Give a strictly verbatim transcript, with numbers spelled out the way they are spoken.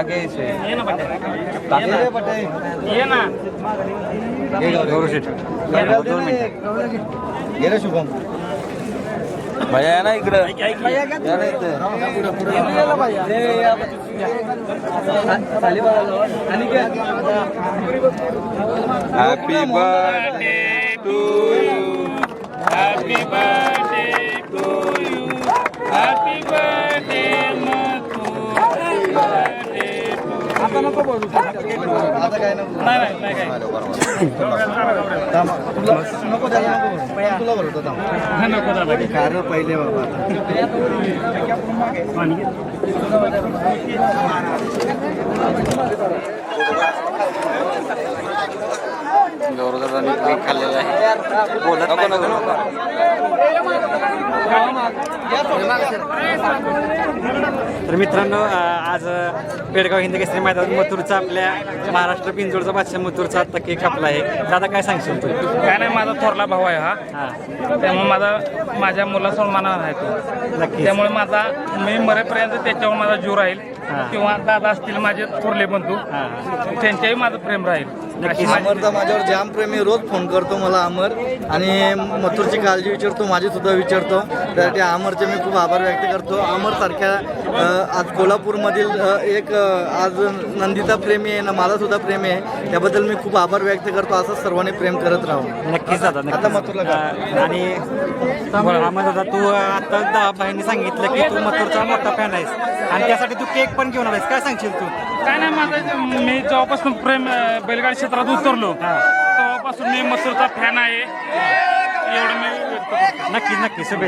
ये ना पटे ये ना गौरव शेठ दोन मिनिट गेलं शुभम भैया या ना इकडं या ना इथं happy birthday to you happy birthday to you happy birthday आता नको बोलू आता काय नको नाही नाही नाही काय थांब. तुला नको त्याला नको बोलू. पण तुला बोलतो थांब. नको दादा कारण पहिले बाबा गौरवदादांनी केक खाल्लेला आहे बोलत नको नको नको तर मित्रांनो आज पेडगाव हिंद केसरी मैदानात मथुरचा आपल्या महाराष्ट्र पिंजोडचा बादशाह मथुरचा आता केक कापला आहे. दादा काय सांगशील तू? काय नाही माझा थोरला भाऊ आहे हा हां त्यामुळे माझा माझ्या मुलासमोर मानावर आहे तो नक्की त्यामुळे माझा मी मरेपर्यंत त्याच्यावर माझा जीव राहील हां. किंवा दादा असतील माझे थोरले बंधू हां त्यांच्याही माझं प्रेम राहील अशी माझी अमरचा माझ्यावर जाम प्रेमी रोज फोन करतो मला अमर आणि मथुरची काळजी विचारतो माझी सुद्धा विचारतो त्यासाठी अमरचे मी खूप आभार व्यक्त करतो. अमर सारख्या आज कोल्हापूरमधील अ, एक अ, आज नंदिता प्रेमी आहे ना माझा सुद्धा प्रेमी आहे त्याबद्दल मी खूप आभार व्यक्त करतो. असं सर्वांनी प्रेम करत राहू. नक्कीच दादा आता नक्कीच. मथुरला का? अं, आणि आम्हाला दादा तू आता दहा भाईंनी सांगितलं की तू मथुरचा मोठा फॅन आहेस आणि त्यासाठी तू केक पण घेऊन आलायस. काय सांगशील तू? काय नाही माझं मी जेव्हापासून प्रेम अं, बैलगाडी क्षेत्रात उतरलो तेव्हापासून मी मसूरचा फॅन आहे एवढं मी व्यक्त करतो. नक्कीच नक्कीच शुभेच्छा.